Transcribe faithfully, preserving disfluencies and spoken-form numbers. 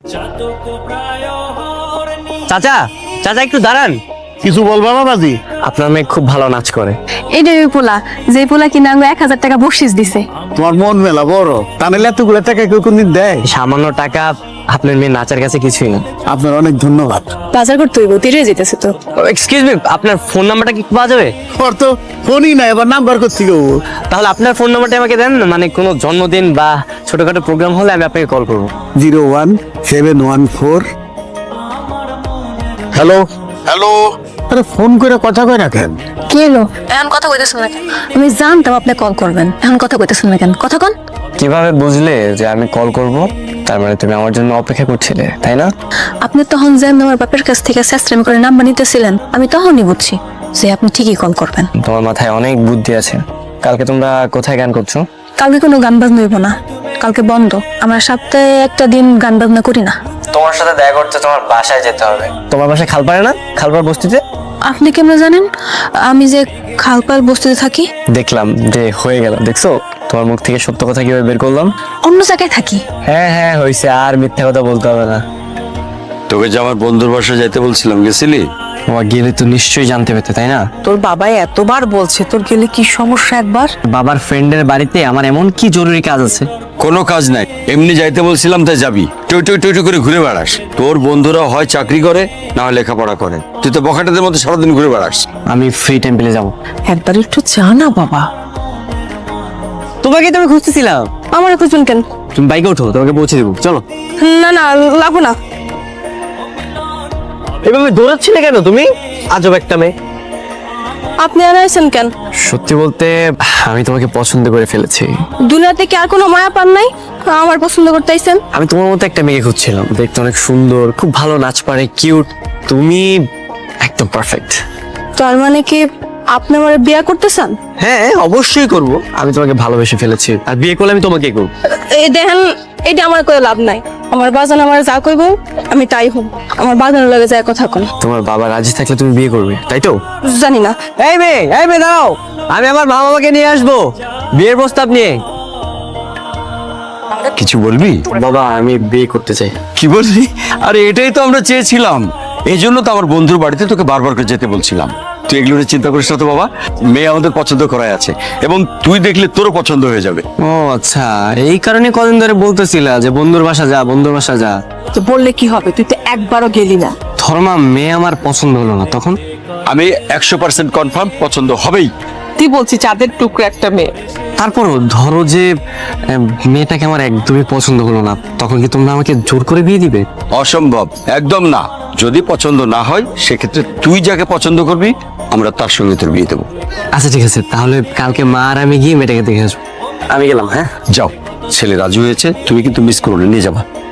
চাচা চাচা একটু দাঁড়ান। কিছু বলবা বাবাজি? আপনার মেয়ে খুব ভালো নাচ করে। এইটা ওই পোলা যে পোলা কিনা আঙ্গো এক হাজার টাকা বকশিস দিছে। তোমার মন মেলা বড়, তাহলে এতগুলো টাকা কেউ কোনদিন দেয়? সামান্য টাকা আপনার মেয়ে নাচের কাছে কিছুই না। আপনার অনেক ধন্যবাদ। বাজার করতে হইব, তেরে যেতেছে তো। এক্সকিউজ মি, আপনার ফোন নাম্বারটা কি পাওয়া যাবে? ওর তো ফোনই না, এবার নাম্বার করছি গো। তাহলে আপনার ফোন নাম্বারটা আমাকে দেন, মানে কোনো জন্মদিন বা ছোটখাটো প্রোগ্রাম হলে আমি আপনাকে কল করবো। Zero one seven one four. Hello hello. আরে ফোন করে কথা কয় না কেন? কি হলো? এখন কথা কইতেছেন না কেন? আমি জানতাম আপনি কল করবেন, এখন কথা কইতেছেন না কেন? কথা কন। কিভাবে বুঝলে যে আমি কল করব? তার মানে তুমি আমার জন্য অপেক্ষা করছিলে, তাই না? আপনি তখন যে আমার বাপের কাছ থেকে স্যাস্ট্রাম করে নাম্বার নিতেছিলেন, আমি তখনই বুঝছি যে আপনি ঠিকই কল করবেন। তোমার মাথায় অনেক বুদ্ধি আছে। কালকে তোমরা কোথায় গান করছো? কালকে কোনো গান বাজনা হইব না, কালকে বন্ধ। আমরা সপ্তাহে একটা দিন গান বাজনা করি না। তোমার সাথে দেখা করতে তোমার বাসায় যেতে হবে। তোমার বাসায় খালপাড়ে না? খালপাড় বস্তিতে। আপনি কেমন জানেন আমি যে খালপাল বস্তিতে থাকি? দেখলাম যে হয়ে গেল। দেখছো তোমার মুখ থেকে সত্য কথা কিভাবে বের করলাম? অন্য জায়গায় থাকি। হ্যাঁ হ্যাঁ হয়েছে, আর মিথ্যা কথা বলতে হবে না। তোকে যে আমার বন্ধুর বাসায় যাইতে বলছিলাম, গেছিলি? তোমার গেলে তো নিশ্চয়ই জানতে পেতে, তাই না? তোর বাবাই এতবার বলছে তোর গেলে কি সমস্যা একবার। বাবার ফ্রেন্ডের বাড়িতে আমার এমন কি জরুরি কাজ আছে? কোনো কাজ নাই, এমনি যাইতে বলছিলাম তাই যাবি। টই টই টই টই করে ঘুরে বেড়াস। তোর বন্ধুরা হয় চাকরি করে না হয় লেখাপড়া করে, তুই তো বখাটেদের মতো সারাদিন ঘুরে বেড়াস। আমি ফ্রি টেম্পলে যাব। একবার একটু চা না বাবা। তোমাকে তো আমি খুঁজতেছিলাম। আমার খুঁজবেন কেন? তুমি বাইকে ওঠো, তোমাকে পৌঁছে দেবো, চলো। না না, লাগবো না। এভাবে দৌড়াচ্ছিলে কেন তুমি? আজব একটা মেয়ে। আপনি আর আইছেন কেন? সত্যি বলতে আমি তোমাকে পছন্দ করে ফেলেছি। দুনিয়াতে কি আর কোনো মায়া পান নাই আমার পছন্দ করতে আইছেন? আমি তোমার মতো একটা মেয়ে খুঁজছিলাম, দেখতে অনেক সুন্দর, খুব ভালো নাচ পারে, কিউট। তুমি একদম পারফেক্ট। তার মানে কি আপনি আমার বিয়ে করতে চান? হ্যাঁ অবশ্যই করব। আমি তোমাকে ভালোবেসে ফেলেছি, আর বিয়ে করলে আমি তোমাকেই করব। এই দেখেন, এটা আমার কোনো লাভ নাই। আমার বাজান আমার যা কইব আমি তাই হব। আমার বাজানের লগে যায় কথা কোন। তোমার বাবা রাজি থাকলে তুমি বিয়ে করবে, তাই তো? জানি না। এই মেয়ে, এই মেয়ে দাঁড়াও, আমি আমার মা বাবাকে নিয়ে আসবো বিয়ের প্রস্তাব নিয়ে। কিছু বলবি? বাবা আমি বিয়ে করতে চাই। কি বললি? আরে এটাই তো আমরা চেয়েছিলাম, এই জন্য তো আমার বন্ধুর বাড়িতে তোকে বারবার করে যেতে বলছিলাম। তুই এগুলো নিয়ে চিন্তা করিস না তো বাবা, মেয়ে আমাদের পছন্দ করাই আছে এবং তুই দেখলে তোরও পছন্দ হয়ে যাবে। ও আচ্ছা, এই কারণে কদিন ধরে বলতেছিলা যে বন্ধুর বাসা যা, বন্ধুর বাসা যা। তো বললে কি হবে, তুই তো একবারও গেলি না। ধর্মা মেয়ে আমার পছন্দ হলো না, তখন? আমি একশো পার্সেন্ট কনফার্ম পছন্দ হবেই। তুই বলছি চাঁদের টুকরো একটা মেয়ে। তারপরও ধরো যে আহ, মেয়েটাকে আমার একদমই পছন্দ হলো না, তখন কি তোমরা আমাকে জোর করে বিয়ে দিবে? অসম্ভব, একদম না। যদি পছন্দ না হয় সেক্ষেত্রে তুই যাকে পছন্দ করবি আমরা তার সঙ্গে তোর বিয়ে দেবো। আচ্ছা ঠিক আছে, তাহলে কালকে মা আর আমি গিয়ে মেয়েটাকে দেখে আসবো। আমি গেলাম, হ্যাঁ? যাও, ছেলে রাজু হয়েছে, তুমি কিন্তু মিস করো না, নিয়ে যাবা।